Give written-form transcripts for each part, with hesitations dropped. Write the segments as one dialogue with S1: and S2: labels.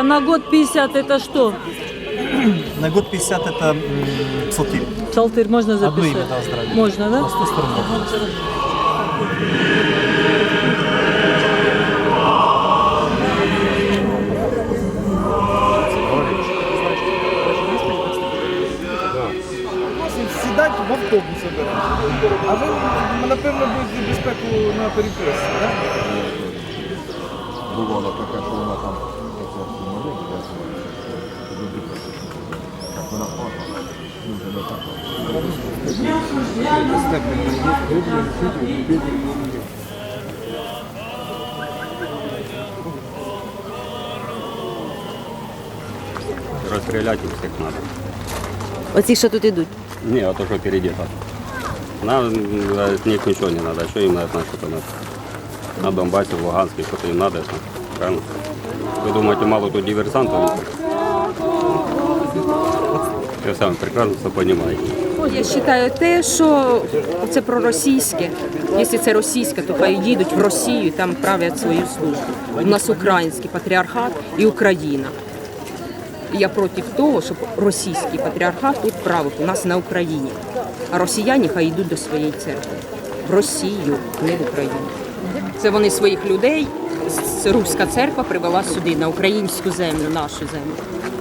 S1: А на год 50 это что?
S2: На год 50 это псалтырь.
S1: Псалтырь можно записать?
S2: Одно имя, да, оздоровить.
S1: Можно, да?
S2: На 100 сторон.
S3: Сідати в автобус обирати. А ви, напевно, будете безпеку на перекресті, так?
S4: Бувало таке, що вона там як вона падала, дуже не так.
S5: Расстрелять их всех надо.
S6: Оці, що тут ідуть.
S5: Не, а то, что впереди так. Нам от них ничего не надо. Что им от нас что-то надо? На Донбассе, в Луганске, что-то им надо, правильно? Вы думаете, мало тут диверсантов? Я сам прекрасно все понимаю.
S7: Я вважаю те, що це проросійське. Якщо це російське, то хай їдуть в Росію і там правлять свою службу. У нас український патріархат і Україна. І я проти того, щоб російський патріархат тут правив у нас на Україні. А росіяни хай йдуть до своєї церкви. В Росію, не в Україну. Це вони своїх людей, руська церква привела сюди, на українську землю, нашу землю.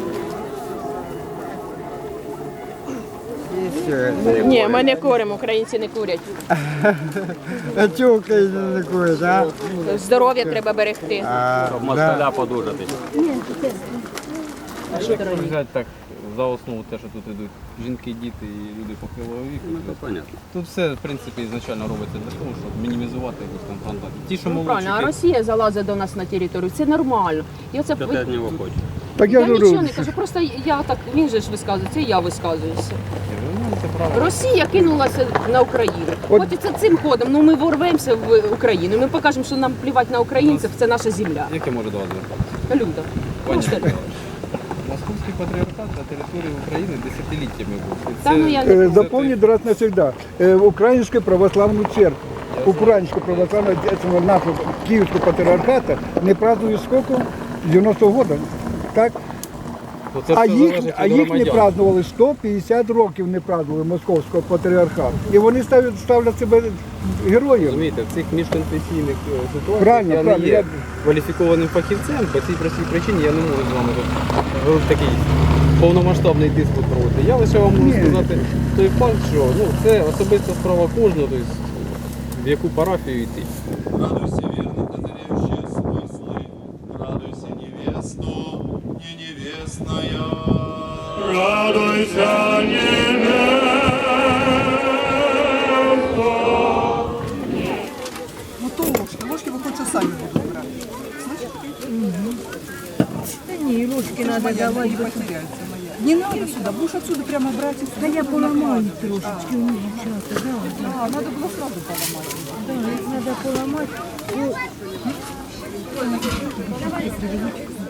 S7: Ні, ми не куримо, українці не курять.
S8: А чого українці не курять, а?
S7: Здоров'я треба берегти.
S5: Щоб москаля подужати.
S9: Взяти так за основу те, що тут йдуть жінки, діти і люди похилого віку.
S5: Ну, понятно.
S9: Тут все, в принципі, ізначально робиться для того, щоб мінімізувати якусь там контакт. Ті, що молодші,
S7: Правильно, а Росія залазить до нас на територію, це нормально. І оце
S5: Що ти від нього хочеш?
S8: Так
S7: я
S8: говорю,
S7: нічого не кажу, просто я так, він же ж висказується, і я висказуюся.
S9: це право.
S7: Росія кинулася на Україну. От і це цим ходом, ну ми ворвемося в Україну, ми покажемо, що нам плівати на українців, це наша земля.
S9: Яке може до вас звертатися?
S7: Люда.
S9: Московський патріархат на території України десятиліттями був.
S7: Та, ну, я не-
S8: запомнить раз навсегда. Украинскую православную церковь. Украинскую православную церковь нашего Киевского патриархата не празднуют сколько? 90-го года. Так?
S9: Ну, це
S8: А
S9: все
S8: їх,
S9: залежить
S8: а
S9: від
S8: їх не
S9: громадян.
S8: празднували 150 років не празднували Московського патріархату. І вони ставлять себе героїв.
S9: Розумієте, в цих міжконфесійних ситуаціях
S8: Правильно,
S9: я
S8: правильно.
S9: не є кваліфікованим фахівцем, по цій простій причині я не можу з вами тут такий повномасштабний диспут проводити. Я лише вам можу сказати той факт, що це особиста справа кожного, тобто в яку парафію йти.
S10: Радуйся, верно, дозревшие смыслы, радуйся, невесту, не невестная. Радуйся, невеста.
S3: Ну то ложки ви хоч самі будете брати.
S1: Да не, ложки надо давать.
S3: Не надо сюда, будешь отсюда прямо брать.
S1: Да я поломаю трошечки у них часто, да.
S3: А, надо было сразу поломать.
S1: Да, их надо поломать.